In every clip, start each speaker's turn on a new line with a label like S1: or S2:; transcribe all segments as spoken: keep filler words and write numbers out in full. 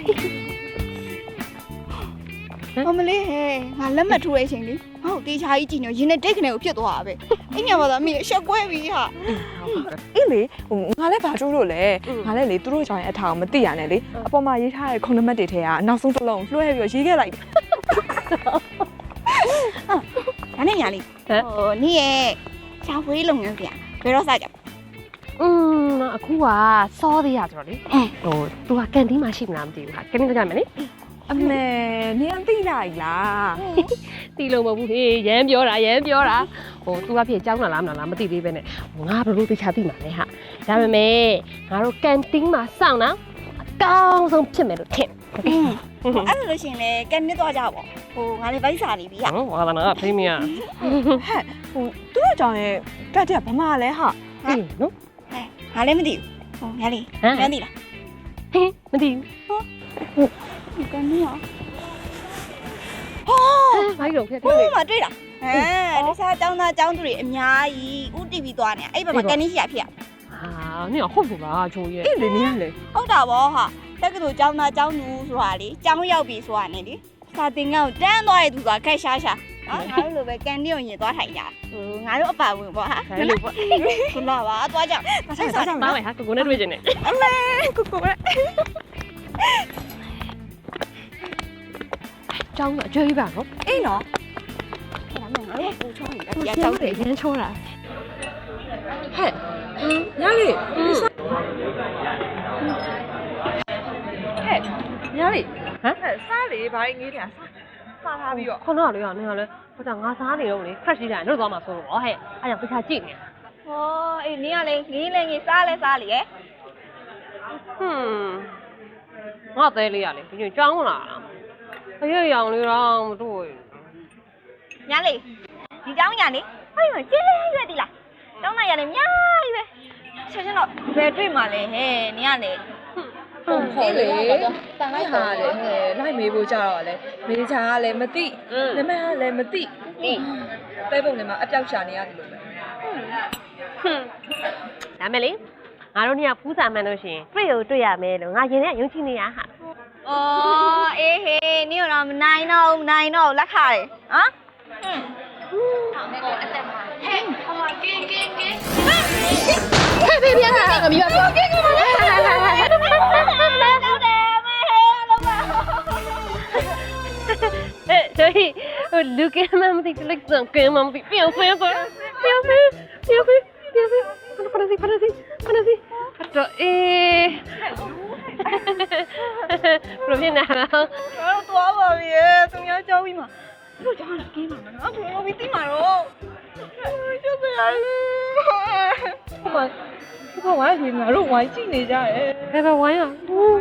S1: အမလေးဟဲ့ငါလက်မှတ်ထိုးတဲ့အချိန်လေးဟောတေချာကြီးကြည့်နေရင်းနဲ့တိတ်ခနဲ့ကိုဖြစ်သွားတာပဲအဲ့ညမှာတော့အမေရှက်ကွဲပြီဟာ
S2: အေးလေဟိုငါလည်းဘာထိုးလို့လဲငါလည်းလေသူတို့ကြောင့်အထားကိုမသိရနဲ့လေအပေါ်မှာရေးထားတဲ့ခုနံပါတ်တွေထဲကအနောက်ဆုံးတစ်လုံးလွှဲပြီးရေးခဲ့လိုက်
S1: ဒါနဲ့ညာလေးဟိုနေ့ရဲ့ရှာဖွေးလုပ်ငန်းပြန်ဘယ်တော့စကြပါ
S3: อืมအခုကစောသေးရဆိုတော့လေဟို तू ကကန်တင်းမှာရှိမလားမသိဘူးဟာကန်တင်းကြမယ်လေ
S2: အမေနင်သိလိုက်လား
S3: တီလုံးမဟုတ်ဘူးဟေးရမ်းပြောတာရမ်းပြောတာဟို तू ကဖြစ်ကြောင်းလာလားမလားမသိသေးပဲနဲ့ဟိုငါဘယ်လိုသိချာသိမှာလဲဟာဒါပေမဲ့ငါတို့ကန်တင်းမှာစောင့်တာအကောင်းဆုံးဖြစ်မယ်လို့ထင်
S1: อืมအဲ့လိုလို့ရှင်လေကန်နစ်သွားကြပါဟိုငါလည်းဗိုက်စာနေပြီဟာ
S3: ဟောဟာလာဖိမရ
S2: ဟိုသူတို့ကြောင့်ရဲ့တက်တက်ဘာမှလဲဟာ
S3: အေးနော်
S1: ဟဲ့ငါလည်းမသိဘူးဟိုညာလေး
S3: ဟမ်
S1: ညာသိလား
S3: ဟင်းမသိဘူး
S1: ကန်နစ်ရော
S3: ဘာလို့ဖြစ်
S1: ဟို
S3: လဲ
S1: မှာတွေ့တာဟဲ့တခြားចောင်းသားចောင်းသူတွေအများကြီးဥတီဗီသွားနေအဲ့ဘက်မှာကန်နစ်ရှိရဖြစ်
S3: ဟာနင်ဟုတ်ပြီလားချိုးရဲ့
S2: အေးလေနင်ကလေ
S1: ဟုတ်တာဗောဟာတက်ကတူចောင်းသားចောင်းသူဆိုတာလေចောင်းရောက်ပြီဆိုတာနဲ့လေစာသင်ခန်းကိုတန်းသွားတဲ့သူကခက်ရှားရှားနော်ငါတို့လိုပဲကန်နစ်ကိုရင်သွားထိုင်ကြဟိုငါတို့အပါဝင်ဗောဟာ
S3: ဘယ်လိုပေါ့
S1: ခုနပါသွားကြမဆိုင်စား
S3: ပါမယ်ဟာကိုကိုနဲ့တွေ့ချင်တယ်
S1: အမေကိုကိုပဲ
S3: ကျောင်းကအကျွေးပါနော်
S1: အေးနော်ဒါမှငါတို့ပူချောင်းနေတာ
S3: ကျောင်းတယ်ရမ်းချိုးတာ
S2: ဟဲ့ညလေး
S3: อืม
S2: ဟဲ့ညလေး
S3: ဟမ်
S2: ဟဲ့စားလေဘာငေးတယ်စားထားပြီးတော့
S3: ခုနကလေကနင်ကလေဟိုကငါစားနေတော့လေ fresh ကြီးတာလွတ်သွားမှာဆိုတော့ဟဲ့အဲ့ကြောင့်တခြားကြည့်နေ
S1: ဟောအေးနင်းကလေငေးလေငေးစားလဲစားလေရဲ့
S3: ဟွန်းငါသေးလေးရလေဒီကျောင်းလာလားအရွရောင်လေးတော့မတွေ့
S1: ညာလေဒီเจ้าညာလေအဲ့ဒီမှာကျင်းလေးရွက်ဒီလားတောင်းလိုက်ရတယ်များကြီးပဲချက်ချင်းတော့ဘယ်တွေ့မှာလဲဟဲ့နင်းကလေ
S2: ဟုတ်ဟုတ်လေတန်လိုက်ဟာလေဟဲ့လိုက်မေးဖို့ကြတော့လေမေးချာကလည်းမသိနမကလည်းမသိ
S3: ဒီ
S2: ပဲပုံထဲမှာအပြောက်ရှာနေရတယ်လို့ပဲ
S3: ဟွန်းဒါမဲ့လေငါတို့ညဖူးစာမှန်လို့ရှိရင်တွေ့ရတွေ့ရမယ်လို့ငါရင်ထဲယုံကြည်နေရဟာ
S1: အော်အေးဟေးနင်းတော့မနိုင်တော့မနိုင်တော့လက်ခါတယ်ဟမ်ဟဲ့ဘေးပြန်လာငါမြတ်ပြောကဲကဲပါလေဟုတ်တယ်မေဟဲလောက်ပါ
S3: 哎，所以我录给妈妈的那个给妈妈的表飞过，表飞，表飞，表飞，看到看到看到看到看到哎，不骗哪了？
S1: ကျွန်တော်သွားပါပြီသူများကြောက်ပြီးမှတို့ကြောက်လာကိန်းမှာနော်သူတို့ပြီးသိမှာတော့ကျုပ်ကရလေဟိုမှာဟိုဝိုင်းပြီးငါတို့ဝိုင်းကြည့်နေကြတယ်
S3: 来吧，玩呀！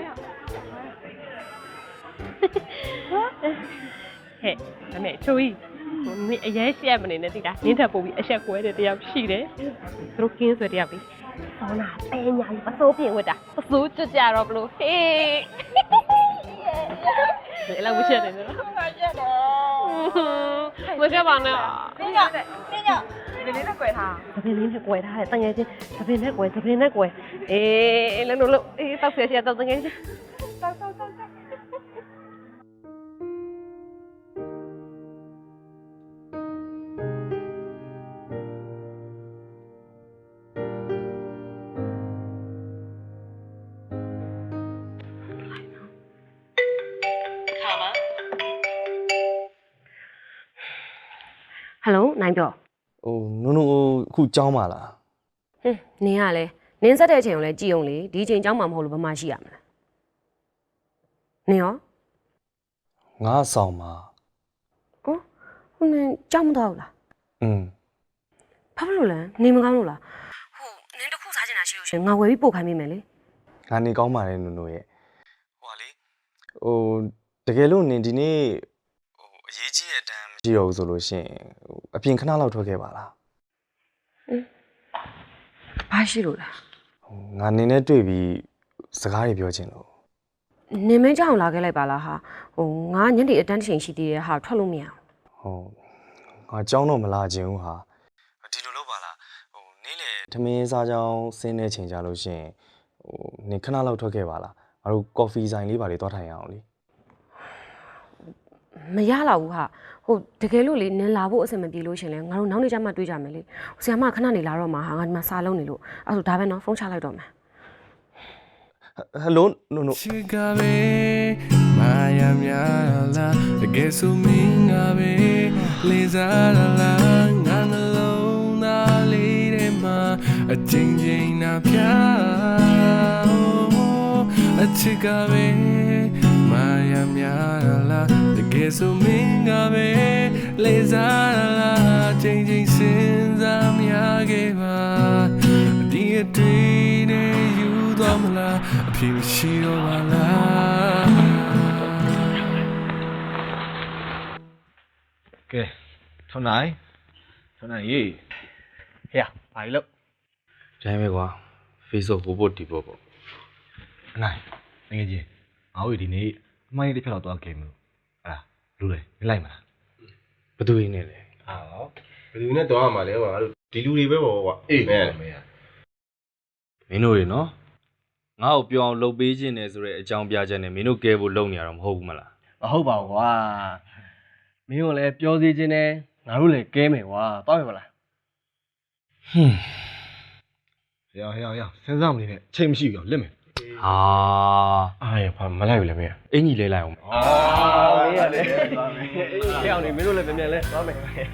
S3: ဟဲ့ဒါနဲ့ချိုးကြီးဟိုမင်းအရင်ရှက်မနေနဲ့တိတာနင်းထပ်ပို့ပြီးအဆက်ကွဲတဲ့တယောက်ရှိတယ်သူတို့ကင်းဆွဲတယောက်ပြီးဆောင်းနာတဲညာကြီးပစိုးပြင်ဝတ်တာပစိုးကြကြတော့ဘလို့ဟေးဘယ်လောက်ဝရှက်တယ်နော်
S1: ငါကြက်တော့
S3: ဝရှက်ပါနဲ့
S1: နင်းကနင်းက
S2: ဒီလေးနဲ့꿰ထား
S3: သပင်းလေးနဲ့ကွယ်ထားတယ်တငယ်ချင်းသပင်းနဲ့ကွယ်သပင်းနဲ့ကွယ်အေးလည်းလို့လို့အေးတောက်ဆရာဆရာတောက်တငယ်ချင်း
S2: တောက်တောက်တောက်တောက်
S3: ဟယ်လိုနိုင်ပြော
S4: ဟိုနုံနုံအခုကြောင်းပါလား
S3: ဟင်းနင်းကလည်းနင်းဆက်တဲ့အချိန်ကိုလည်းကြည်အောင်လေဒီအချိန်ကြောင်းမှမဟုတ်လို့ဘာမှရှိရမလားနင်းရော
S4: ငါဆောင်ပါ
S3: ဟိုနင်းကြောင်းမတော့ဘူးလား
S4: อืม
S3: ဘာဖြစ်လို့လဲနေမကောင်းလို့လားဟိုနင်းတစ်ခုစားချင်တာရှိလို့ရှင်ငါဝယ်ပြီးပို့ခိုင်းမိမယ်လေ
S4: ငါနေကောင်းပါတယ်နုံနုံရဲ့ဟိုလေဟိုတကယ်လို့နင်ဒီနေ့ဟိုအရေးကြီးတဲ့အတန်းမရှိတော့ဘူးဆိုလို့ရှိရင်ဟိုအပြင်ခဏလောက်ထွက်ခဲ့ပါလား
S3: ဘာရှိလို့လဲ
S4: ဟိုငါနေနဲ့တွေ့ပြီးစကားတွေပြောချင်လို့
S3: နေမင်းကြောင်လာခဲ့လိုက်ပါလားဟာဟိုငါညနေအတန်းတစ်ချိန်ရှိသေးတယ်ဟာထွက်လို့မရအောင်
S4: ဟိုငါကြောင်းတော့မလာခြင်းဘူးဟာဒီလိုလုပ်ပါလားဟိုနေ့လေထမင်းစားကြောင်းဆင်းတဲ့ချိန်ကြလို့ရှိရင်ဟိုနင်ခဏလောက်ထွက်ခဲ့ပါလားငါငါတို့ coffee ဆိုင်လေးပါလေတွားထိုင်ရအောင်လေ
S3: မရတော့ဘူးဟာဟိုတကယ်လို့လေနင်လာဖို့အဆင်မပြေလို့ရှင်လဲငါတို့နောက်နေ့ကျမှတွေ့ကြမယ်လေဆရာမခဏနေလာတော့မှာဟာငါဒီမှာစာလုံးနေလို့အဲ့ဒါဒါပဲနော်ဖုန်းချလိုက်တော့မယ်
S4: ဟယ်လိုနိုနို
S5: Chicabe, Maya Miala, the guess who mingabe, Lizara la, alone, a lady ma, a changing up ya, a Chicabe, Maya Miala, the guess who mingabe, Lizara la, changing sins, I'm Yageva, dear train, you don't la. အဖြစ်ရှိတော့ပါလားကဲထွန်းနိုင်ထွန်းနိုင်ရေဟဲ့ဘာလို့
S4: ကျိုင်းပဲကွာ Facebook ဟိုပို့ဒီပို့ပေါ့
S6: အနိုင်ငယ်ချင်းငါတို့ဒီနေ့အမိုင်းတစ်ဖြတ်တော့သွားခဲ့မလို့အဲ့ဒါလူလေမလိုက်မလား
S4: ဘသူရင်းနေလဲ
S6: ဟာဘယ်သူနဲ့တော့မှာလဲကွာငါတို့ဒီလူတွေပဲပေါ့ကွာအေးမင်းမင်း
S4: မင်းတို့ရေနော်ငါ့ကိုပြောအောင်လုပ်ပေးခြင်းတယ်ဆိုတဲ့အကြောင်းပြချက်နဲ့မင်းတို့ကဲဖို့လုပ်နေရတော့မဟုတ်ဘူးမလား
S6: မဟုတ်ပါဘူးကွာမင်းတို့လည်းပြောစီခြင်းနဲ့ငါတို့လည်းကဲမယ်ကွာတောက်ရမလား
S4: ဟွန်း
S6: ဟေးဟေးဟေးစဉ်းစားမနေနဲ့ချိန်မရှိဘူးလက်မယ်
S4: ဟာ
S6: အားရဘာမလိုက်ဘူးလေမင်း
S4: အင်ကြီးလဲလိုက်အောင်
S6: အာမင်းရလေသွားမယ်အေးအောင်နေမင်းတို့လည်းပြန်ပြန်လဲသွားမယ်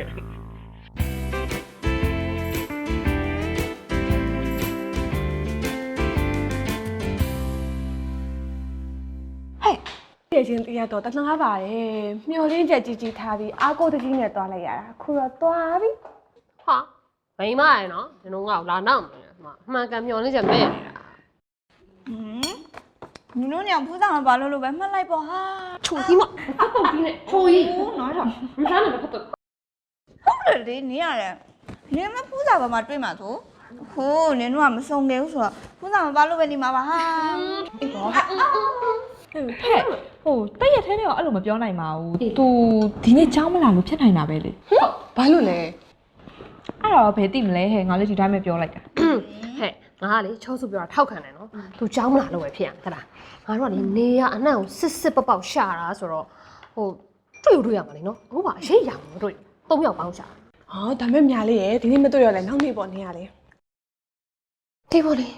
S2: ပြည့်ချင်းတရားတော့တနာပါတယ်မျောလင်းချက်ကြီးကြီးထားပြီးအားကိုတကြီးနဲ့တွားလိုက်ရတာခုတော့တွားပြီ
S3: ဟာမိမရယ်နော်နင်တို့ငါ့ကိုလာနောက်မယ်အမှန်ကန်မျောနေချက်မဲ့နေတာ
S1: ဟမ်နင်တို့ညဖူးဆောင်ဘာလို့လို့ပဲမှတ်လိုက်ပေါ့ဟာ
S3: ချိုကြီးမအပုတ်ကြီးနဲ့ချိုကြီး
S1: ဟိုးနော်တော့
S3: မစားနဲ့ဖတ်တော့
S1: ဟုတ်တယ်လေနင်ရတယ်နင်မဖူးဆောင်ဘာမှတွေ့မှာဆိုဟိုးနင်တို့ကမစုံခဲ့ဘူးဆိုတော့ဖူးဆောင်ဘာလို့ပဲနေမှာပါဟာအေးဟောဟာ
S2: ဟဲ့ဟိုတက်ရက်ထဲနဲ့တော့အဲ့လိုမပြောနိုင်ပါဘူး तू ဒီနေ့ကြောင်းမလာလို့ဖြစ်နိုင်တာပဲလေ
S3: ဘာလို့လဲ
S2: အဲ့တော့ဘယ်သိမလဲဟဲ့ငါလည်းဒီတိုင်းပဲပြောလိုက်တာ
S3: ဟဲ့ငါကလေချောစုပြောတာထောက်ခံတယ်နော်သူကြောင်းမလာလို့ပဲဖြစ်ရမှာသလားငါတို့ကလေနေရအနှံ့ကိုစစ်စစ်ပေါက်ပေါက်ရှာတာဆိုတော့ဟိုတွေ့တွေ့ရမှာလေနော်အခုပါအရေးရမှာတွေ့သုံးယောက်ပေါင်းရှာ
S7: ဟောဒါမဲ့မြားလေးရယ်ဒီနေ့မတွေ့ရလဲနောက်နေ့ပေါ့နေရလေ
S3: ဒီပေါ်လေဟဲ့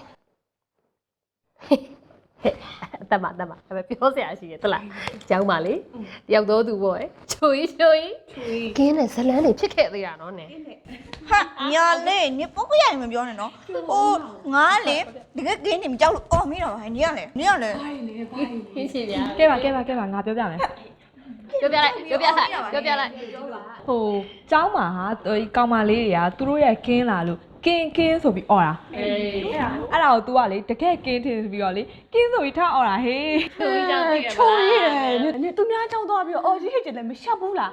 S3: တမတမဒါပဲပြောစရာရှိရသလားကျောင်းပါလေတယောက်တော့သူပေါ့ချိုကြီးချိုကြီးကင်းနဲ့ဇလန်းတွေဖြစ်ခဲ့သေးတာနော်နင်
S1: ဟာညာလေးနင်ပုတ်ရရင်မပြောနဲ့နော်ဟိုးငါလေတကယ်ကင်းနေမကြောက်လို့အော်မိတော့ဟဲ့နင်ရလေနင်ရလေ
S3: ခင်းချင်ဗျာ
S2: ကဲပါကဲပါကဲပါငါပြောပြမယ်
S3: ပြောပြလိုက်ပြောပြလိုက်ပြောပြလိုက်
S2: ဟိုကျောင်းမှာဟာဒီကောင်မလေးတွေကသူတို့ရဲ့ကင်းလာလို့ကင်းကင်းဆိုပြီးអော်တာ
S3: အေး
S2: အဲ့ဒါကို तू ကလေတကယ်ကင်းထင်ပြီးတော့လေကင်းဆိုပြီးထားអော်တာဟေး
S3: ချိုကြီးကြောင့်သိရ
S7: ချိုးရယ်နေသူများကြောင်းသွားပြီးအော်ကြီးဟစ်ကျင်လည်းမရှက်ဘူးလား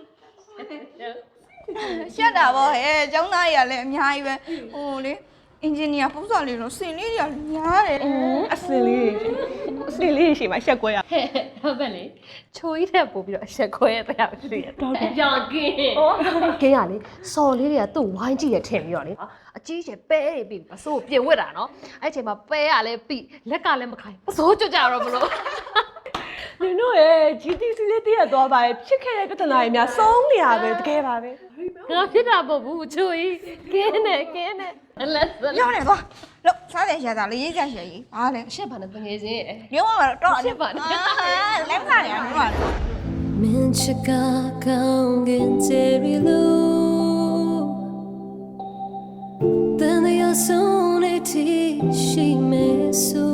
S1: ရှက်တာပေါ့ဟဲ့ကျောင်းသားကြီးကလည်းအများကြီးပဲဟိုလေအင်ဂျင်နီယာပူစာလေးတော့စင်လေးတွေကညားတယ်
S7: အစင်လေးအစင်လေးရှိမှရှက်ကွဲရ
S3: ဟဲ့ဟုတ်ပဲလေချိုကြီးတဲ့ပို့ပြီးတော့အဆက်ခွဲတဲ့အောင်ရှိရတော့ကြောင်ကင်းကင်းရလေစော်လေးတွေကသူ့ဝိုင်းကြည့်ရထင်ပြီးတော့လေအကြီးကျယ်ပဲတွေပြီးပစိုးပြင်ဝစ်တာနော်အဲ့ချိန်မှာပဲရလဲပြီးလက်ကလည်းမခိုင်ပစိုးကြွကြတော့မလို့
S7: နင်တို့ရဲ့ ဂျီ တီ စီ လေးတည့်ရသွားပါရဲ့ဖြစ်ခဲ့တဲ့ပြဿနာတွေများဆုံးနေရပဲတကယ်ပါပဲ
S3: ငါဖြစ်တာပေါ့ဘူးချိုကြီးကင်းနဲ့ကင်းနဲ့အလက်စ
S1: ပြောနေသွားလို့စားတယ်ရှာတာလေးရေးကြရှာကြီးဘာလဲ
S3: အရှက်ပါနဲ့တငယ်ချင်းရဲ့
S1: ရုံးမှာတော့
S3: ရှက်ပါနဲ့
S1: လက်စားရအောင်တော့
S8: Min chika kaungin terilu Then they are soon it she me so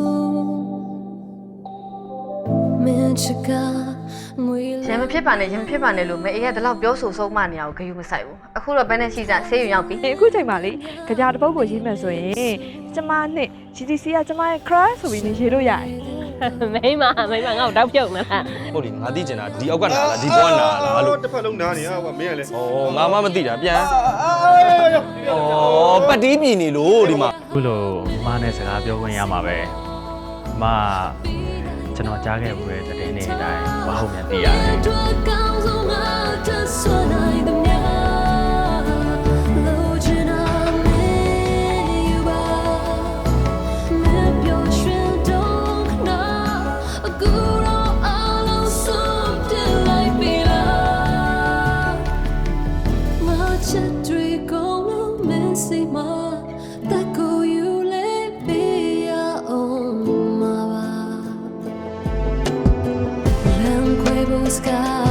S8: Min chika
S9: ရံမဖြစ်ပါနဲ့ရံမဖြစ်ပါနဲ့လို့မအေးရတဲ့လောက်ပြောဆိုဆုံးမနေအောင်ဂယုမဆိုင်ဘူးအခုတော့ဘယ်နဲ့ရှိစားဆေးရုံရောက်ပြီ
S2: အခုချိန်မှာလေကြာတပုတ်ကိုရေးမယ်ဆိုရင်ကျမနဲ့ ဂျီ တီ စီ ကကျမရဲ့ crush ဆိုပြီးနေရေးလို့ရတယ်
S3: မိမမိမငါ့ကိုတောက်ပြုတ်နေလား
S4: ဟုတ်လေငါသိကျင်တာဒီအောက်ကနာလားဒီဘောကနာလားလို့
S6: တစ်ဖက်လုံးနားနေရကွာမင်းကလည်း
S4: ဩငါမှမသိတာပြန်ဩပတ်တီးမြည်နေလို့ဒီမှာ
S10: ခုလိုအမနဲ့စကားပြောခွင့်ရမှာပဲအမကျွန်တော်ကြားခဲ့ဘူးတဲ့သတင်းတွေအတိုင်းဘာဟုတ်မြန်သိရတယ်
S8: Dua kau zona tersuai demnya Lojina me you are Me pyo shin dong na blue sky